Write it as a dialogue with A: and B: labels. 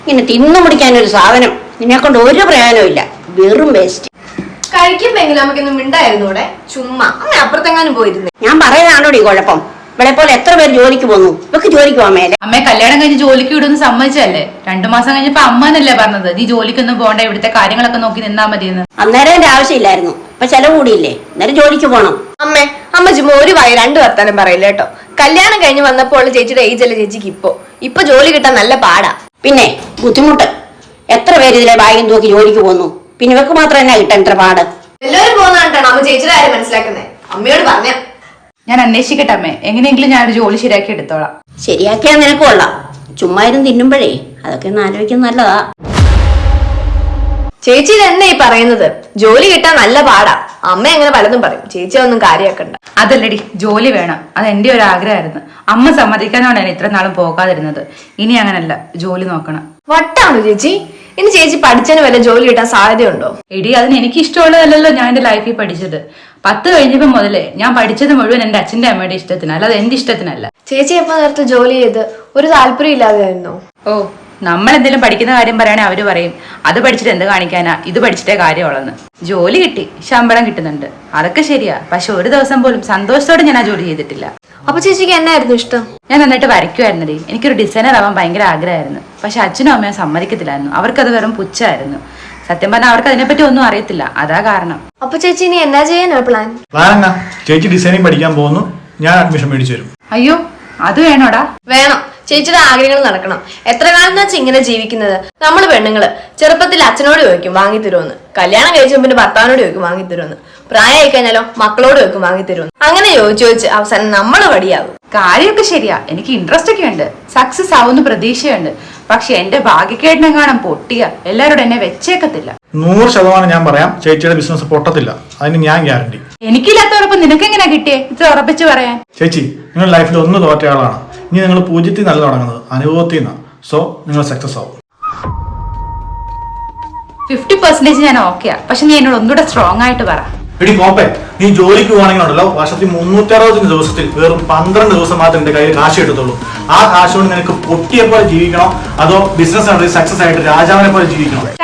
A: ഇങ്ങനെ തിന്നു മുടിക്കാനൊരു സാധനം നിന്നെ കൊണ്ട് ഒരു പ്രയോജനമില്ല, വെറും വേസ്റ്റ്.
B: കഴിക്കുമ്പെങ്കിലും നമുക്കൊന്നും മിണ്ടായിരുന്നൂടെ? ചുമ്മാ അങ്ങനെ അപ്പുറത്തെങ്ങാനും പോയിരുന്നേ.
A: ഞാൻ പറയുന്നതാണോടി കുഴപ്പം? ഇവിടെ പോലെ എത്ര പേര് ജോലിക്ക് പോന്നു, ഇവക്ക് ജോലിക്ക് പോകാൻ മേലെ.
C: അമ്മ കല്യാണം കഴിഞ്ഞ് ജോലിക്ക് വിടുന്ന് സമ്മതിച്ചല്ലേ? 2 മാസം കഴിഞ്ഞപ്പോ അമ്മന്നല്ലേ പറഞ്ഞത് നീ ജോലിക്കൊന്നും പോകണ്ട, ഇവിടുത്തെ കാര്യങ്ങളൊക്കെ നോക്കി നിന്നാ മതിയെന്ന്.
A: അന്നേരം എന്റെ ആവശ്യമില്ലായിരുന്നു, ഇപ്പൊ ചെലവ് കൂടിയില്ലേ, അന്നേരം ജോലിക്ക് പോണം.
B: അമ്മ ചുമ്മാ ഒരു വായി 2 വർത്താനം പറയില്ല കേട്ടോ. കല്യാണം കഴിഞ്ഞ് വന്നപ്പോൾ ചേച്ചിയുടെ ഏജ് അല്ലേ ചേച്ചിക്ക് ഇപ്പൊ ജോലി കിട്ടാൻ നല്ല പാടാ.
A: പിന്നെ ബുദ്ധിമുട്ട്, എത്ര പേര് ഇതിലെ ബാഗും തൂക്കി ജോലിക്ക് പോന്നു, പിന്നെ ഇവക്ക് മാത്രം എന്നാ കിട്ടാൻ ഇത്ര പാട്?
B: എല്ലാവരും പോകുന്നതാണ് അമ്മ ചേച്ചിയുടെ കാര്യം മനസ്സിലാക്കുന്നേ. അമ്മയോട് പറഞ്ഞ
C: ഞാൻ അന്വേഷിക്കട്ടെ അമ്മേ, എങ്ങനെയെങ്കിലും ഞാനൊരു ജോലി ശരിയാക്കി എടുത്തോളാം.
A: ശരിയാക്കിയാൽ നിനക്ക് കൊള്ളാം. ചുമ്മാ ഇരുന്ന് തിന്നുമ്പോഴേ അതൊക്കെ ഒന്ന് ആലോചിക്കുന്നത് നല്ലതാ.
B: ചേച്ചി തന്നെ ഈ പറയുന്നത് ജോലി കിട്ടാൻ നല്ല പാടാ. അമ്മ അങ്ങനെ പലതും പറയും, ചേച്ചി ഒന്നും കാര്യമാക്കണ്ട.
C: അതല്ലടി, ജോലി വേണം, അത് എന്റെ ഒരു ആഗ്രഹമായിരുന്നു. അമ്മ സമ്മതിക്കാനാണ് ഇത്ര നാളും പോകാതിരുന്നത്. ഇനി അങ്ങനല്ല, ജോലി നോക്കണം.
B: വട്ടാണോ ചേച്ചി? ഇനി ചേച്ചി പഠിച്ചതിന് വല്ല ജോലി കിട്ടാൻ സാധ്യതയുണ്ടോ?
C: എടി, അതിന് എനിക്ക് ഇഷ്ടമുള്ളതല്ലോ ഞാൻ എന്റെ ലൈഫിൽ പഠിച്ചത്. 10 കഴിഞ്ഞപ്പോ മുതലേ ഞാൻ പഠിച്ചത് മുഴുവൻ എന്റെ അച്ഛന്റെ അമ്മയുടെ ഇഷ്ടത്തിന്, അല്ലാതെ എന്റെ ഇഷ്ടത്തിനല്ല.
B: ചേച്ചി എപ്പോ നേരത്തെ ജോലി ചെയ്ത് ഒരു താല്പര്യം ഇല്ലാതെയായിരുന്നോ?
C: ഓ, നമ്മൾ എന്തെങ്കിലും പഠിക്കുന്ന കാര്യം പറയണേ അവര് പറയും അത് പഠിച്ചിട്ട് എന്ത് കാണിക്കാനാ, ഇത് പഠിച്ചിട്ടേ കാര്യമുള്ളെന്ന്. ജോലി കിട്ടി, ശമ്പളം കിട്ടുന്നുണ്ട്, അതൊക്കെ ശരിയാ. പക്ഷെ ഒരു ദിവസം പോലും സന്തോഷത്തോടെ ഞാൻ ആ ജോലി ചെയ്തിട്ടില്ല.
B: അപ്പൊ ചേച്ചിക്ക് എന്നായിരുന്നു ഇഷ്ടം?
C: ഞാൻ നന്നായിട്ട് വരയ്ക്കുമായിരുന്നടി. എനിക്കൊരു ഡിസൈനർ ആവാൻ ഭയങ്കര ആഗ്രഹമായിരുന്നു. പക്ഷെ അച്ഛനും അമ്മയും സമ്മതിക്കത്തില്ലായിരുന്നു. അവർക്കത് വെറും പുച്ഛമായിരുന്നു. സത്യം പറഞ്ഞാൽ അവർക്ക് അതിനെപ്പറ്റി ഒന്നും അറിയത്തില്ല, അതാ കാരണം.
B: അപ്പൊ ചേച്ചി ഇനി എന്നാ ചെയ്യാനാ പ്ലാൻ?
D: എന്നാ ചേച്ചി ഡിസൈനിങ് പഠിക്കാൻ പോകുന്നു, ഞാൻ അഡ്മിഷൻ മേടിച്ചു തരും.
C: അയ്യോ, അത് വേണോടാ?
B: വേണം. ചേച്ചിയുടെ ആഗ്രഹങ്ങൾ നടക്കണം. എത്ര കാലം വെച്ചാൽ ഇങ്ങനെ ജീവിക്കുന്നത്? നമ്മള് പെണ്ണുങ്ങള് ചെറുപ്പത്തിൽ അച്ഛനോട് ചോദിക്കും വാങ്ങിത്തരുമെന്ന്, കല്യാണം കഴിച്ച പിന്നെ ഭർത്താവിനോട് ചോദിക്കും വാങ്ങിത്തരുമെന്ന്, പ്രായമായി കഴിഞ്ഞാലോ മക്കളോട് ചോദിക്കും വാങ്ങിത്തരുമെന്ന്. അങ്ങനെ ചോദിച്ച് അവസാനം നമ്മള് വടിയാകും.
C: കാര്യമൊക്കെ ശരിയാ, എനിക്ക് ഇൻട്രസ്റ്റ് ഒക്കെ ഉണ്ട്, സക്സസ് ആവുന്ന പ്രതീക്ഷയുണ്ട്. പക്ഷെ എന്റെ ഭാഗ്യക്കേടിനെങ്ങാനും പൊട്ടിയ എല്ലാവരോടും എന്നെ വെച്ചേക്കത്തില്ല.
D: 100% ഞാൻ പറയാം, ചേച്ചിയുടെ ബിസിനസ് പൊട്ടത്തില്ല, അതിന് ഞാൻ ഗ്യാരണ്ടി.
C: എനിക്കില്ലാത്ത ഉറപ്പ് നിനക്ക് എങ്ങനെയാ കിട്ടിയേ ഇത്ര ഉറപ്പിച്ച് പറയാൻ?
D: ചേച്ചി, നിങ്ങൾ ലൈഫിൽ ഒന്ന് തോറ്റ ആളാണ്. ഇനി നിങ്ങൾ 0 നല്ല തുടങ്ങുന്നത് അനുഭവത്തിൽ നിന്നാണ്. സോ നിങ്ങൾ സക്സസ് ആവും.
C: 50% ഞാൻ ഓക്കെയാ, പക്ഷെ നീ എന്നോട് ഒന്നുകൂടെ സ്ട്രോങ് ആയിട്ട് പറ.
D: എടി കോപ്പേ, നീ ജോലിക്ക് പോകണമെങ്കിലുണ്ടല്ലോ, വർഷത്തിൽ 360 ദിവസത്തിൽ വെറും 12 ദിവസം മാത്രം എന്റെ കയ്യിൽ കാശ് കിട്ടത്തുള്ളൂ. ആ കാശ് കൊണ്ട് നിനക്ക് പൊട്ടിയെ പോലെ ജീവിക്കണോ, അതോ ബിസിനസ് സക്സസ് ആയിട്ട് രാജാവിനെ പോലെ ജീവിക്കണോ?